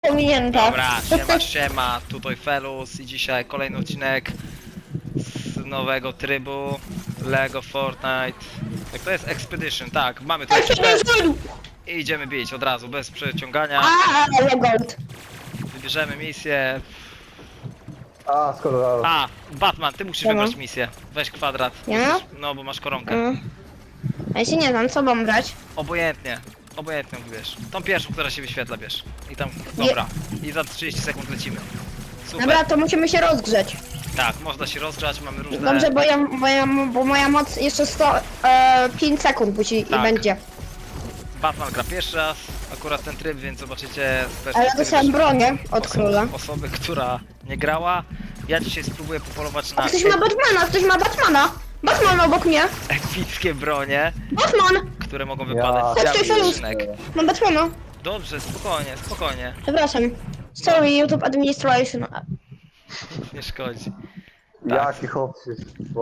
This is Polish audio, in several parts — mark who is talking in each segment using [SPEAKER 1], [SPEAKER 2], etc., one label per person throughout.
[SPEAKER 1] pominięta.
[SPEAKER 2] Dobra, siema, tutaj Felus i dzisiaj kolejny odcinek z nowego trybu Lego Fortnite. Jak to jest? Expedition, tak, mamy tu ekipę i idziemy bić od razu, bez przeciągania.
[SPEAKER 1] Ale gold.
[SPEAKER 2] Wybierzemy misję.
[SPEAKER 3] A, skoro...
[SPEAKER 2] A, Batman, ty musisz wybrać misję. Weź kwadrat.
[SPEAKER 1] Ja?
[SPEAKER 2] No, bo masz koronkę.
[SPEAKER 1] A ja się nie znam, co mam brać?
[SPEAKER 2] Obojętnie wybierz. Tą pierwszą, która się wyświetla, bierz. I tam, dobra. I za 30 sekund lecimy. Super.
[SPEAKER 1] Dobra, to musimy się rozgrzeć.
[SPEAKER 2] Tak, można się rozgrzać, mamy różne...
[SPEAKER 1] Dobrze, bo moja moc jeszcze 5 sekund musi
[SPEAKER 2] Tak.
[SPEAKER 1] i będzie.
[SPEAKER 2] Batman gra pierwszy raz, akurat ten tryb, więc zobaczycie z
[SPEAKER 1] Ale
[SPEAKER 2] perspektywy
[SPEAKER 1] dostałem bronię od króla.
[SPEAKER 2] osoby, która nie grała. Ja dzisiaj spróbuję popolować na
[SPEAKER 1] A ktoś ma Batmana, ktoś ma Batmana! Batman obok mnie!
[SPEAKER 2] epickie bronie,
[SPEAKER 1] Batman!
[SPEAKER 2] które mogą wypadać z
[SPEAKER 1] Chodź,
[SPEAKER 2] białych
[SPEAKER 1] Felus.
[SPEAKER 2] skrzynek.
[SPEAKER 1] Mam Batmana.
[SPEAKER 2] Dobrze, spokojnie,
[SPEAKER 1] Przepraszam. Sorry, YouTube Administration.
[SPEAKER 2] nie szkodzi.
[SPEAKER 3] Jaki chłop się...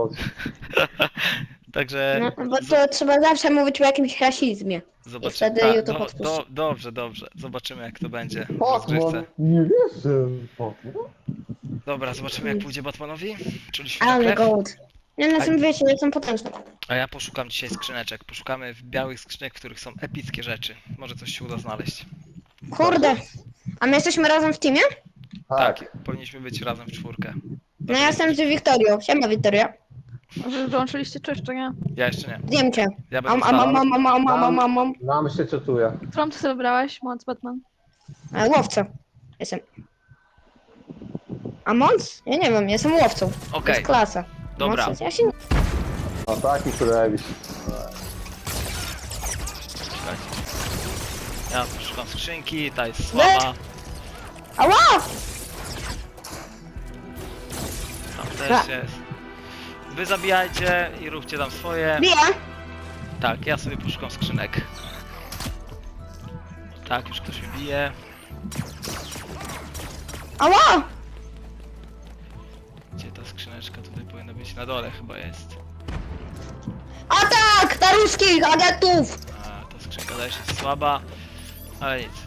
[SPEAKER 2] Także
[SPEAKER 1] No, bo to trzeba zawsze mówić o jakimś rasizmie.
[SPEAKER 2] zobaczymy.
[SPEAKER 1] wtedy
[SPEAKER 2] Tak,
[SPEAKER 1] YouTube odpuści.
[SPEAKER 2] dobrze, zobaczymy jak to będzie w
[SPEAKER 3] Batman,
[SPEAKER 2] rozgrywce.
[SPEAKER 3] nie wierzę. Batman.
[SPEAKER 2] Dobra, zobaczymy jak pójdzie Batmanowi. Czuliśmy na
[SPEAKER 1] Ale
[SPEAKER 2] krew.
[SPEAKER 1] gold. Ja na tym wiecie, jestem potężny.
[SPEAKER 2] A ja poszukam dzisiaj skrzyneczek. Poszukamy w białych skrzynek, w których są epickie rzeczy. Może coś się uda znaleźć.
[SPEAKER 1] Kurde. A my jesteśmy razem w teamie?
[SPEAKER 2] Tak, powinniśmy być razem w czwórkę.
[SPEAKER 1] No ja jestem z Wiktorią. Siema Wiktoria.
[SPEAKER 4] Wy wyłączyliście czy jeszcze nie?
[SPEAKER 2] Ja jeszcze nie.
[SPEAKER 1] Wiem cię.
[SPEAKER 2] Ja będę wstał.
[SPEAKER 1] Mam.
[SPEAKER 3] Nam się czytuje.
[SPEAKER 4] Którą ty sobie wybrałeś? Moc Batman?
[SPEAKER 1] Łowca. Jestem. A Mons? Ja nie wiem, jestem łowcą. To
[SPEAKER 2] Okej,
[SPEAKER 1] jest klasa.
[SPEAKER 2] dobra.
[SPEAKER 1] Mons, ja się nie...
[SPEAKER 3] A taki, który robisz.
[SPEAKER 2] czekajcie. Ja szukam skrzynki, ta jest słaba.
[SPEAKER 1] Ała!
[SPEAKER 2] Tam też jest. Wy zabijajcie i róbcie tam swoje.
[SPEAKER 1] Biję!
[SPEAKER 2] Tak, ja sobie poszukam skrzynek. Tak, już ktoś mi bije.
[SPEAKER 1] Ała!
[SPEAKER 2] Gdzie ta skrzyneczka? Tutaj powinna być na dole chyba jest.
[SPEAKER 1] Atak! Na ruskich agentów!
[SPEAKER 2] A, ta skrzynka też jest słaba. Ale nic.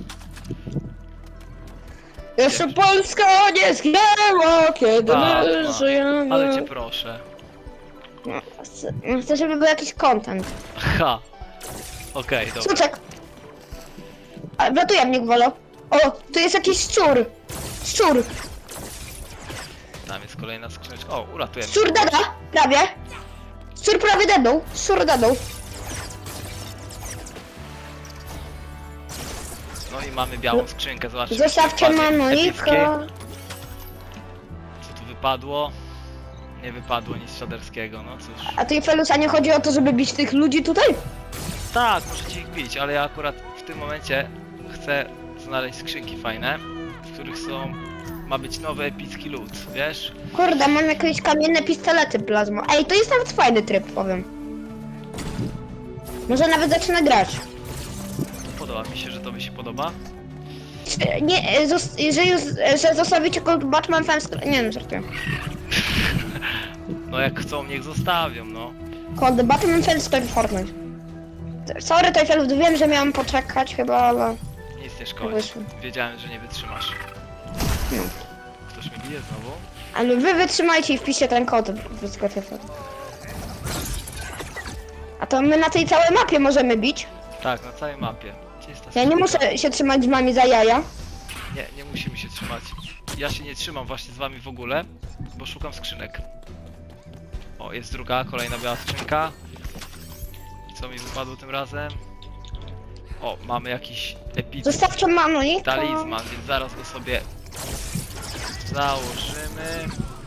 [SPEAKER 1] Jeszcze Polska nie zginęła, kiedy
[SPEAKER 2] Batman,
[SPEAKER 1] my żyjemy.
[SPEAKER 2] ale cię proszę.
[SPEAKER 1] Chcę, żeby był jakiś content.
[SPEAKER 2] Ha! Okej, dobra.
[SPEAKER 1] Suczek! Ale wlatuje mnie gwolo. O, tu jest jakiś szczur! Szczur!
[SPEAKER 2] Tam jest kolejna skrzyneczka. O, uratujemy.
[SPEAKER 1] Szczur dada! Prawie! Szczur prawie dednął! Szczur dednął!
[SPEAKER 2] No i mamy białą skrzynkę, zobaczcie.
[SPEAKER 1] Zostawcie
[SPEAKER 2] epickie.
[SPEAKER 1] Manojka!
[SPEAKER 2] Co tu wypadło? Nie wypadło nic szaderskiego, no cóż.
[SPEAKER 1] A ty, Felusa, nie chodzi o to, żeby bić tych ludzi tutaj?
[SPEAKER 2] Tak, możecie ich bić, ale ja akurat w tym momencie chcę znaleźć skrzynki fajne, w których ma być nowy epicki loot, wiesz?
[SPEAKER 1] Kurde, mam jakieś kamienne pistolety plazma. Ej, to jest nawet fajny tryb, powiem. Może nawet zacznę grać.
[SPEAKER 2] Podoba mi się, że to mi się podoba.
[SPEAKER 1] Nie, że zostawicie kod Batman Fans... Nie wiem, żartuję.
[SPEAKER 2] No jak chcą, niech zostawią, no.
[SPEAKER 1] Kod Batman Fans Story Fortnite. Sorry, Tejfelów, wiem, że miałam poczekać chyba, ale...
[SPEAKER 2] Nic nie szkodzi.
[SPEAKER 1] Wyszło.
[SPEAKER 2] Wiedziałem, że nie wytrzymasz.
[SPEAKER 1] No.
[SPEAKER 2] Ktoś mnie bije znowu?
[SPEAKER 1] Ale wy wytrzymajcie i wpiszcie ten kod w Tejfel. A to my na tej całej mapie możemy bić.
[SPEAKER 2] Tak, na całej mapie. Gdzie jest ta
[SPEAKER 1] Ja nie
[SPEAKER 2] skrzynka?
[SPEAKER 1] muszę się trzymać z wami za jaja.
[SPEAKER 2] Nie musimy się trzymać. Ja się nie trzymam właśnie z wami w ogóle, bo szukam skrzynek. O, jest druga, kolejna biała skrzynka. I co mi wypadło tym razem? O, mamy jakiś epicki
[SPEAKER 1] Zostawcie Manojka.
[SPEAKER 2] talizman, więc zaraz go sobie założymy.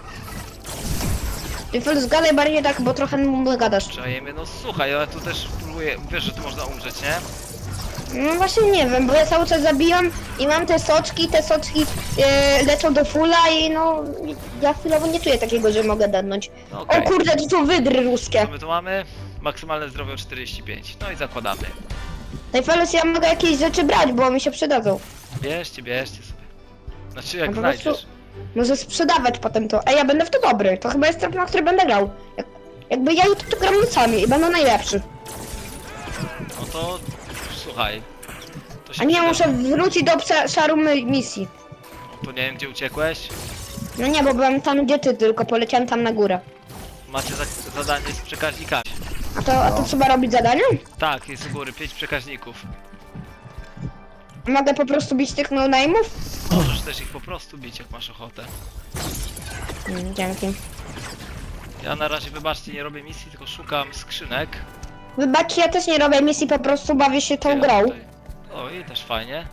[SPEAKER 1] Tejfel, zgadaj bardziej tak, bo trochę mu gadasz.
[SPEAKER 2] Czajemy, no słuchaj, ale tu też próbuję, wiesz, że tu można umrzeć, nie?
[SPEAKER 1] No właśnie nie wiem, bo ja cały czas zabijam i mam te soczki lecą do fulla i no... Ja chwilowo nie czuję takiego, że mogę dadnąć.
[SPEAKER 2] No
[SPEAKER 1] O
[SPEAKER 2] okej.
[SPEAKER 1] kurde, to są wydry ruskie.
[SPEAKER 2] Co my tu mamy? Maksymalne zdrowie o 45. No i zakładamy.
[SPEAKER 1] Tejfelus, ja mogę jakieś rzeczy brać, bo mi się przydadzą.
[SPEAKER 2] Bierzcie sobie. Znaczy jak
[SPEAKER 1] No po prostu-
[SPEAKER 2] znajdziesz.
[SPEAKER 1] Może sprzedawać potem to. Ej, ja będę w to dobry. To chyba jest tryb, na który będę grał. Jakby ja to gram nocami i będę najlepszy.
[SPEAKER 2] No to słuchaj. To się
[SPEAKER 1] A nie,
[SPEAKER 2] przyda.
[SPEAKER 1] muszę wrócić do obszaru misji.
[SPEAKER 2] To nie wiem, gdzie uciekłeś.
[SPEAKER 1] No nie, bo byłem tam gdzie ty, tylko poleciałem tam na górę.
[SPEAKER 2] Macie zadanie z przekaźnikami.
[SPEAKER 1] A to trzeba robić zadanie?
[SPEAKER 2] Tak, jest u góry 5 przekaźników.
[SPEAKER 1] Mogę po prostu bić tych no-name'ów?
[SPEAKER 2] Możesz też ich po prostu bić, jak masz ochotę.
[SPEAKER 1] Dzięki.
[SPEAKER 2] Ja na razie, wybaczcie, nie robię misji, tylko szukam skrzynek.
[SPEAKER 1] Wybaczcie, ja też nie robię misji, po prostu bawię się tą
[SPEAKER 2] Ja
[SPEAKER 1] grą.
[SPEAKER 2] tutaj- O, i też fajnie.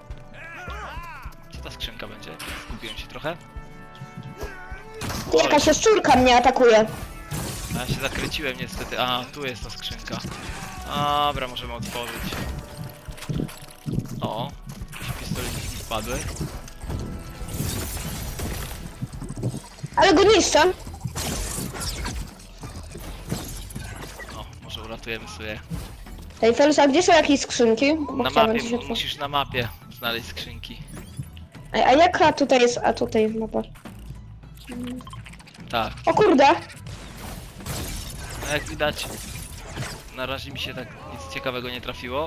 [SPEAKER 2] Co ta skrzynka będzie? Zgubiłem się trochę.
[SPEAKER 1] Ty, jakaś jaszczurka mnie atakuje.
[SPEAKER 2] A ja się zakręciłem niestety. A, tu jest ta skrzynka. Dobra, możemy otworzyć. O, jakieś pistoliki wpadły.
[SPEAKER 1] Ale go niszczę.
[SPEAKER 2] O, może uratujemy sobie.
[SPEAKER 1] Tej Felus, a gdzie są jakieś skrzynki? Bo
[SPEAKER 2] Na
[SPEAKER 1] chciałbym
[SPEAKER 2] mapie,
[SPEAKER 1] coś otworzyć.
[SPEAKER 2] musisz na mapie znaleźć skrzynki.
[SPEAKER 1] A jaka tutaj jest? A tutaj jest mapa.
[SPEAKER 2] Tak,
[SPEAKER 1] O kurde!
[SPEAKER 2] no jak widać, na razie mi się tak nic ciekawego nie trafiło.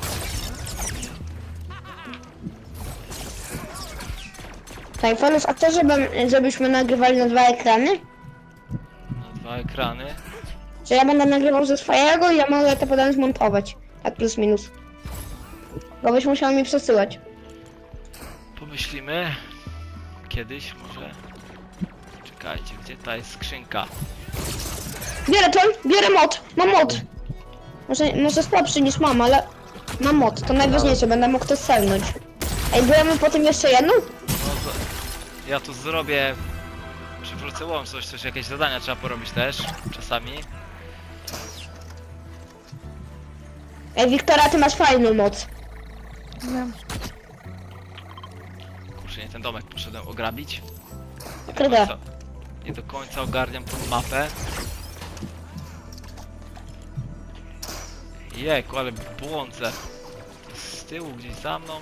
[SPEAKER 1] Tej Felus, a chcesz, żebyśmy nagrywali na 2 ekrany?
[SPEAKER 2] Na 2 ekrany.
[SPEAKER 1] Że ja będę nagrywał ze swojego i ja mogę to potem zmontować. Tak plus minus. Bo byś musiał mi przesyłać.
[SPEAKER 2] Pomyślimy. Kiedyś może. Czekajcie, gdzie ta jest skrzynka?
[SPEAKER 1] Bierę to, bierę mod, mam mod. Może słabszy niż mam, ale mam mod, to najważniejsze, będę mógł to selnąć. Ej, byłem potem jeszcze jedną?
[SPEAKER 2] No to ja tu zrobię. Przywrócę łączność, coś jakieś zadania trzeba porobić też czasami.
[SPEAKER 1] Ej, Wiktora, ty masz fajną moc.
[SPEAKER 4] Wiem.
[SPEAKER 2] Kurczę, nie ten domek poszedłem ograbić.
[SPEAKER 1] Kryda.
[SPEAKER 2] Nie do końca ogarniam tą mapę. Jejku, ale błądzę. To jest z tyłu, gdzieś za mną.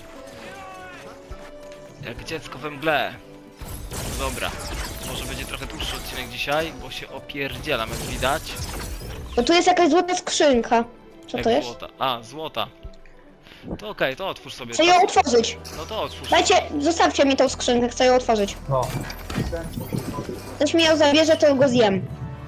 [SPEAKER 2] Jak dziecko we mgle. No dobra. Może będzie trochę dłuższy odcinek dzisiaj, bo się opierdzielam, jak widać.
[SPEAKER 1] Bo tu jest jakaś złota skrzynka. Co
[SPEAKER 2] Jak
[SPEAKER 1] to jest?
[SPEAKER 2] złota. A, złota. To okej, to otwórz sobie.
[SPEAKER 1] Chcę ją otworzyć.
[SPEAKER 2] No to otwórz.
[SPEAKER 1] Dajcie, zostawcie mi tą skrzynkę, chcę ją otworzyć.
[SPEAKER 3] No.
[SPEAKER 1] Ktoś mi ją zabierze, to go zjem.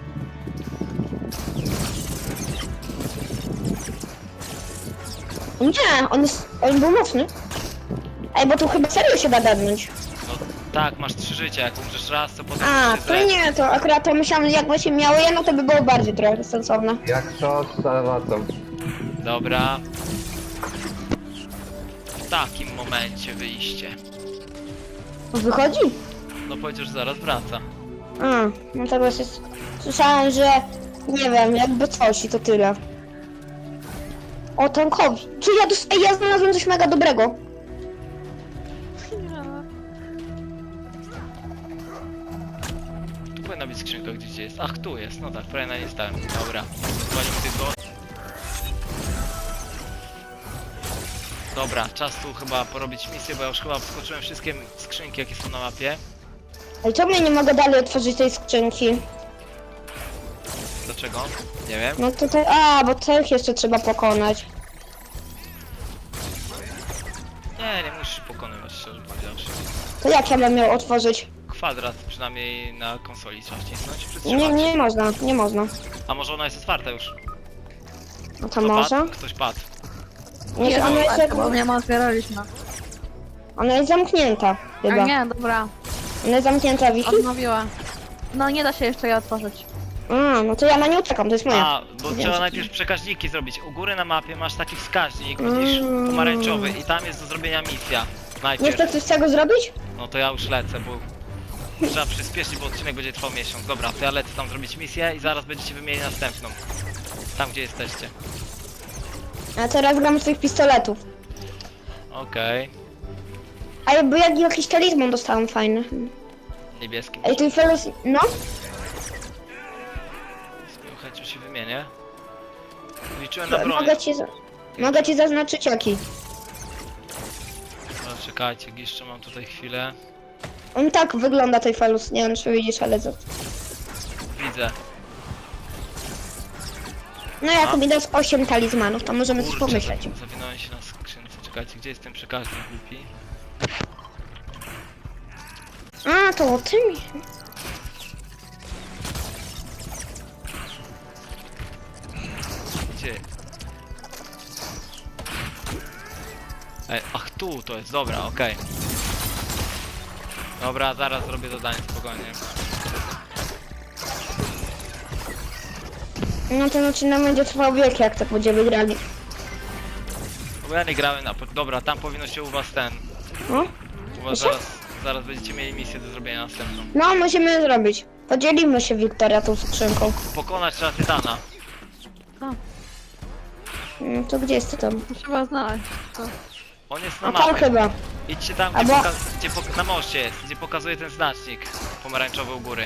[SPEAKER 1] Nie, on był mocny. Ej, bo tu chyba serio się da dadnąć.
[SPEAKER 2] No tak, masz 3 życia, jak umrzesz raz, to potem
[SPEAKER 1] A,
[SPEAKER 2] się
[SPEAKER 1] to
[SPEAKER 2] zleci.
[SPEAKER 1] nie, to akurat to myślałem, jakby się miało jedno, to by było bardziej trochę sensowne.
[SPEAKER 3] Jak to z salwatą.
[SPEAKER 2] Dobra. W takim momencie wyjście.
[SPEAKER 1] Wychodzi?
[SPEAKER 2] No powiedział, że zaraz wraca.
[SPEAKER 1] A, no teraz jest... Słyszałem, że... Nie wiem, jakby coś i to tyle. O, tankowi. Czy ja Ej, ja znalazłem coś mega dobrego.
[SPEAKER 2] Tu powinna być skrzynka gdzieś jest. Ach, tu jest. No tak, prawie na nie stałem. Dobra. Zwalimy tylko. Dobra, czas tu chyba porobić misję, bo ja już chyba wskoczyłem wszystkie skrzynki, jakie są na mapie.
[SPEAKER 1] Ej, czemu ja nie mogę dalej otworzyć tej skrzynki?
[SPEAKER 2] Dlaczego? Nie wiem.
[SPEAKER 1] No tutaj... A, bo tych jeszcze trzeba pokonać.
[SPEAKER 2] Nie musisz pokonywać, szczerze powiedziawszy.
[SPEAKER 1] To jak ja bym miał otworzyć?
[SPEAKER 2] Kwadrat przynajmniej na konsoli trzeba wcisnąć,
[SPEAKER 1] Nie,
[SPEAKER 2] przytrzymać.
[SPEAKER 1] nie można, nie można.
[SPEAKER 2] A może ona jest otwarta już?
[SPEAKER 1] No to
[SPEAKER 2] Kto
[SPEAKER 1] może?
[SPEAKER 2] padł? Ktoś padł.
[SPEAKER 1] Nie, ona jest,
[SPEAKER 4] bo nie ma otwieraliśmy.
[SPEAKER 1] ona jest zamknięta,
[SPEAKER 4] A
[SPEAKER 1] chyba.
[SPEAKER 4] nie, dobra.
[SPEAKER 1] Ona jest zamknięta, Wiki?
[SPEAKER 4] Odnowiła. No nie da się jeszcze jej otworzyć.
[SPEAKER 1] A, no to ja na nią czekam, to jest moja.
[SPEAKER 2] A, bo
[SPEAKER 1] Wiem,
[SPEAKER 2] trzeba
[SPEAKER 1] że-
[SPEAKER 2] najpierw przekaźniki zrobić. U góry na mapie masz taki wskaźnik, widzisz, pomarańczowy i tam jest do zrobienia misja.
[SPEAKER 1] Nie
[SPEAKER 2] Najpierw.
[SPEAKER 1] chce coś z tego zrobić?
[SPEAKER 2] No to ja już lecę, bo trzeba przyspieszyć, bo odcinek będzie trwał miesiąc. Dobra, to ja lecę tam zrobić misję i zaraz będziecie wymienić następną. Tam, gdzie jesteście.
[SPEAKER 1] A teraz gram z tych pistoletów.
[SPEAKER 2] Okej.
[SPEAKER 1] A jakby jak jakiś talizman dostałem fajny.
[SPEAKER 2] Niebieski.
[SPEAKER 1] Ej, tu Felus... No?
[SPEAKER 2] Z miłą chęcią się wymienię. Liczyłem na broń.
[SPEAKER 1] Mogę ci zaznaczyć jaki.
[SPEAKER 2] No, czekajcie, jeszcze mam tutaj chwilę.
[SPEAKER 1] On tak wygląda tej Felus, nie wiem czy widzisz, ale...
[SPEAKER 2] Widzę.
[SPEAKER 1] No jak mi dasz 8 talizmanów, to możemy coś
[SPEAKER 2] Kurczę,
[SPEAKER 1] pomyśleć.
[SPEAKER 2] zawinąłem się na skrzynce. Czekajcie, gdzie jest ten przekaźnik głupi?
[SPEAKER 1] A, to o tym.
[SPEAKER 2] Gdzie? Ej, ach tu to jest, dobra, okej. Dobra, zaraz zrobię zadanie spokojnie.
[SPEAKER 1] No ten odcinek będzie trwał wiek, jak tak będziemy grali.
[SPEAKER 2] No bo ja nie grałem na... Dobra, tam powinno się u was ten...
[SPEAKER 1] No?
[SPEAKER 2] U was
[SPEAKER 1] Proszę?
[SPEAKER 2] zaraz będziecie mieli misję do zrobienia następną.
[SPEAKER 1] No, musimy zrobić. Podzielimy się, Wiktoria, tą skrzynką.
[SPEAKER 2] Pokonać trzeba Tytana.
[SPEAKER 1] No to gdzie jest tam?
[SPEAKER 4] To trzeba znaleźć. To.
[SPEAKER 2] On jest na
[SPEAKER 1] A tam
[SPEAKER 2] mapie.
[SPEAKER 1] chyba.
[SPEAKER 2] Idźcie tam,
[SPEAKER 1] Albo-
[SPEAKER 2] na moście jest, gdzie pokazuje ten znacznik pomarańczowy u góry.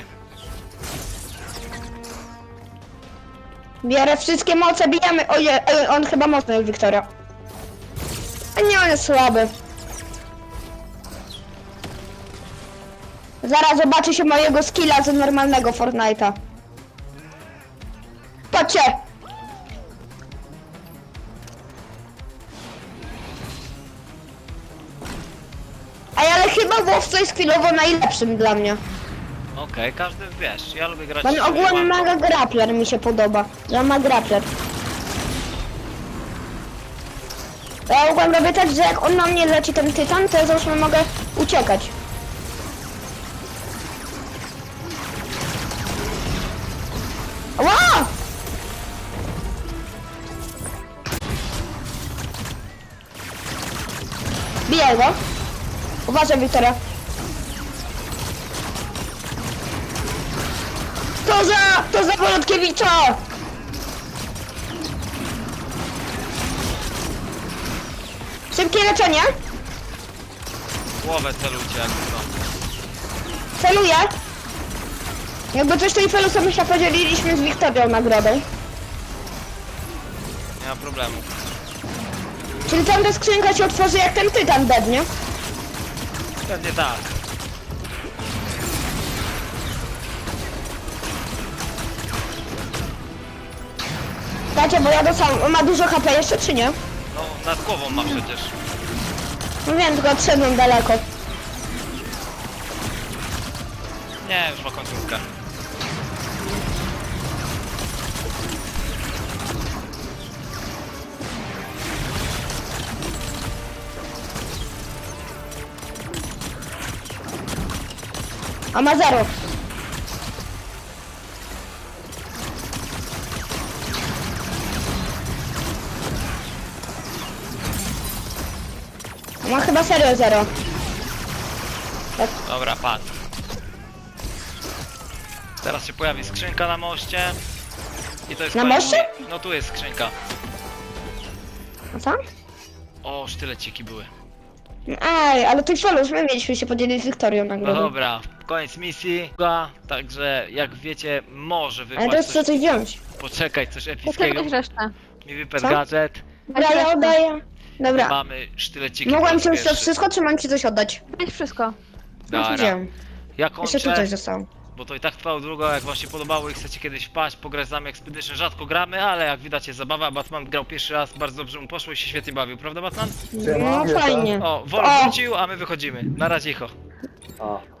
[SPEAKER 1] Bierę wszystkie moce, bijemy. Oje, on chyba mocny jest, Wiktoria. A nie, on jest słaby. Zaraz zobaczy się mojego skilla z normalnego Fortnite'a. Patrzcie! Ej, ale chyba łowca jest chwilowo najlepszym dla mnie.
[SPEAKER 2] Okej, każdy wiesz, ja lubię grać...
[SPEAKER 1] Bo on ogólnie
[SPEAKER 2] łamką.
[SPEAKER 1] mega grappler mi się podoba. Że on ma grappler. Ja ogólnie robię tak, że jak on na mnie leci ten tytan, to ja załóżmy mogę uciekać. Ła! Bijaj go. Uważaj, Wiktoria. To za Wolodkiewicza! Szybkie leczenie.
[SPEAKER 2] Głowę celujcie jak to.
[SPEAKER 1] Celuję. Jakby coś to i Felusem się podzieliliśmy z Wiktorią nagrodą.
[SPEAKER 2] Nie ma problemu.
[SPEAKER 1] Czyli tamta skrzynka się otworzy jak ten tytan bednie.
[SPEAKER 2] Pewnie tak.
[SPEAKER 1] Dacie, bo ja dostałam. On ma dużo HP jeszcze, czy nie?
[SPEAKER 2] No, nad głową ma przecież.
[SPEAKER 1] No wiem, tylko odszedłem daleko.
[SPEAKER 2] Nie, już ma końcówkę.
[SPEAKER 1] A ma 0. Ma chyba serio 0.
[SPEAKER 2] Dobra, padł. Teraz się pojawi skrzynka na moście. I to jest
[SPEAKER 1] Na
[SPEAKER 2] koniec.
[SPEAKER 1] moście?
[SPEAKER 2] No tu jest skrzynka.
[SPEAKER 1] A co?
[SPEAKER 2] O, sztyleciki były.
[SPEAKER 1] Ej, ale tych Felus my mieliśmy się podzielić z Wiktorią
[SPEAKER 2] No
[SPEAKER 1] nagrodą.
[SPEAKER 2] dobra, koniec misji. Także jak wiecie, może
[SPEAKER 1] Ale
[SPEAKER 2] wypaść
[SPEAKER 1] teraz
[SPEAKER 2] coś,
[SPEAKER 1] chcę coś wziąć.
[SPEAKER 2] poczekać, coś epickiego.
[SPEAKER 4] Poczekać resztę.
[SPEAKER 2] Mi wypadł
[SPEAKER 1] Co?
[SPEAKER 2] gadżet.
[SPEAKER 1] Dobra, ja oddaję. Dobra.
[SPEAKER 2] Mamy sztyleciki.
[SPEAKER 1] Mogłem
[SPEAKER 2] po
[SPEAKER 1] ci
[SPEAKER 2] raz
[SPEAKER 1] już to
[SPEAKER 2] pierwszy.
[SPEAKER 1] wszystko, czy mam ci coś oddać?
[SPEAKER 4] Weź wszystko.
[SPEAKER 2] Dobra.
[SPEAKER 1] Wziąłem.
[SPEAKER 2] Ja
[SPEAKER 1] Jeszcze tu
[SPEAKER 2] kończę,
[SPEAKER 1] coś zostało.
[SPEAKER 2] bo to i tak trwało długo. Jak wam się podobało i chcecie kiedyś wpaść, pograć z nami Expedition, rzadko gramy, ale jak widać jest zabawa. Batman grał pierwszy raz, bardzo dobrze mu poszło i się świetnie bawił, prawda Batman?
[SPEAKER 3] Siema.
[SPEAKER 1] No fajnie.
[SPEAKER 2] O, Wol
[SPEAKER 1] O!
[SPEAKER 2] wrócił, a my wychodzimy. Na razie,
[SPEAKER 3] O.